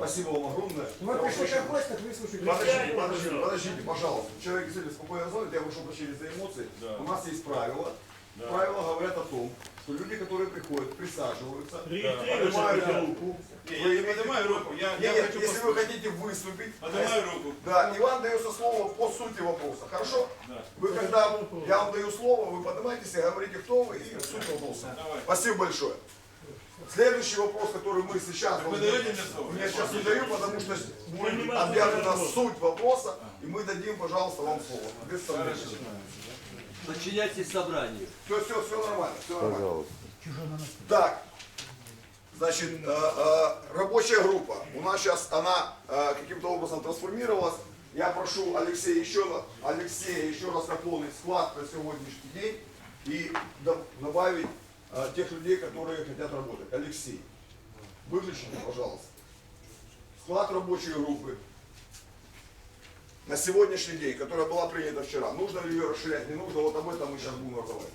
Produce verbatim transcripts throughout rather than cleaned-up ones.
Спасибо вам огромное. Вы пришли как гость, так выслушайте. Подождите, подождите, подождите, пожалуйста. Человек действительно спокойно звонит, я прошу прощения за эмоции. Да. У нас есть правила. Да. Правила говорят о том, что люди, которые приходят, присаживаются, Регистрируйся, поднимают да. руку. Не, Вы я не имеете- поднимаю руку, я, Нет, я нет, хочу если вы послушать. хотите выступить, Поднимаю руку. да, и вам дается слово по сути вопроса. Хорошо? Да. Вы когда я вам даю слово, вы поднимаетесь и говорите, кто вы и суть вопроса. Давай. Спасибо большое. Следующий вопрос, который мы сейчас... Вы даете мне слово? Я сейчас не даю, потому что мы Понимаю, объявлена вопрос. суть вопроса, и мы дадим, пожалуйста, вам слово. Без сомнений. Подчиняйтесь собранию. Все, все, все нормально, все нормально. Так, значит, э, э, рабочая группа. У нас сейчас она э, каким-то образом трансформировалась. Я прошу Алексея еще, раз- Алексея еще раз наполнить склад на сегодняшний день и до- добавить э, тех людей, которые хотят работать. Алексей, выключите, пожалуйста. Склад рабочей группы на сегодняшний день, которая была принята вчера. Нужно ли ее расширять, не нужно, вот об этом мы сейчас будем разговаривать.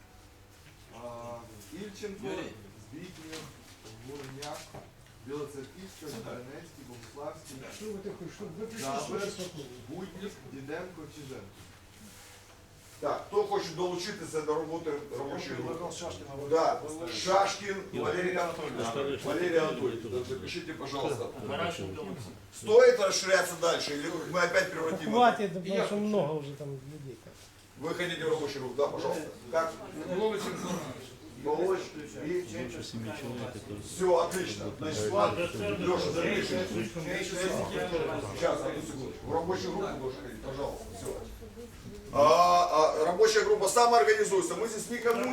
Ільченко, Збітнєв, Гурняк, Білоцерківська, Зеленецький, Богуславський, Что вы такой, что вы пришли Жабер, слушать спокойно. Буднік, Діденко, Чиженко. Так, хто хоче долучитися до роботи робочої групи? Да. Шашкін Валерий Анатольевич. Валерий Анатольевич, так, запишите, пожалуйста. Стоит расширяться дальше, или мы опять превратим это? Хватит, потому что много уже там людей. Вы хотите в рабочую группу? Да, пожалуйста. Как? Волочь и... Все, отлично. Значит, ладно, Леша, запишите. Сейчас, одну секундочку. В рабочую группу должен ходить, пожалуйста. Все. А, а, рабочая группа самоорганизуется. Мы здесь никому